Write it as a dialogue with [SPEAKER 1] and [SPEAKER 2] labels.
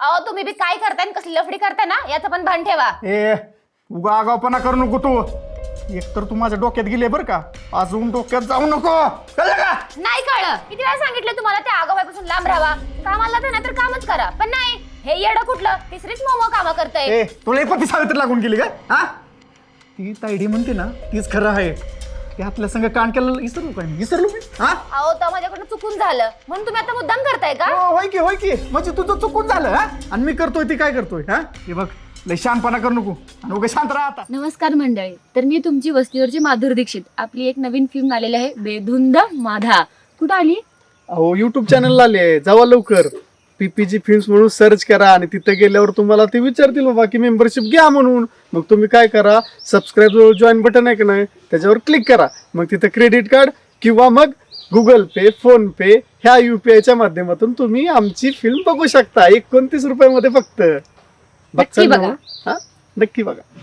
[SPEAKER 1] अहो तुम्ही बी काय करताय आणि कसली लफडी करताय ना याचं पण भान ठेवा.
[SPEAKER 2] ए उगा आगावपणा करू नको तू. एकतर तू माझ्या डोक्यात गेले बरं का, अजून डोक्यात जाऊ नको, कळलं का?
[SPEAKER 1] नाही कळलं, किती वेळा सांगितलं तुम्हाला त्या आगाबाईपासून लांब राहावा. कामाला तर नाहीतर कामच करा, पण नाही हे येडं कुठलं तिसरीच मोमो कामं करतय.
[SPEAKER 2] ए तुला पती सावित्री लागून गेली का? हा ती तायडी म्हणते ना तीच खरं आहे. त्यातल्या संग कान केलं विसरलो काय मी? विसरलो मी? हा
[SPEAKER 1] अहो तर माझ्याकडनं चुकून झालं म्हणून तुम्ही आता मुद्दाम करताय का?
[SPEAKER 2] होय की म्हणजे तुझं चुकून झालं. हा आणि मी करतोय ती काय करतोय? हा हे बघ लय शानपणा करू नको आणि उगा शांत राहा आता.
[SPEAKER 3] नमस्कार मंडळी, तर मी तुमची वस्तीवरची माधुरी दीक्षित. आपली एक नवीन फिल्म आलेली आहे बेधुंद माधा. कुठं आली?
[SPEAKER 4] अहो युट्यूब चॅनलला आले, जावा लवकर. पीपीजी फिल्म्स म्हणून सर्च करा आणि तिथे गेल्यावर तुम्हाला ते विचारतील बाबा की मेंबरशिप घ्या म्हणून. मग तुम्ही काय करा, सबस्क्राईब जॉईन बटन आहे की नाही त्याच्यावर क्लिक करा. मग तिथे क्रेडिट कार्ड किंवा मग गुगल पे, फोन पे ह्या UPI माध्यमातून तुम्ही आमची फिल्म बघू शकता. 29 रुपयामध्ये फक्त.
[SPEAKER 3] नक्की बघा.
[SPEAKER 4] हा नक्की बघा.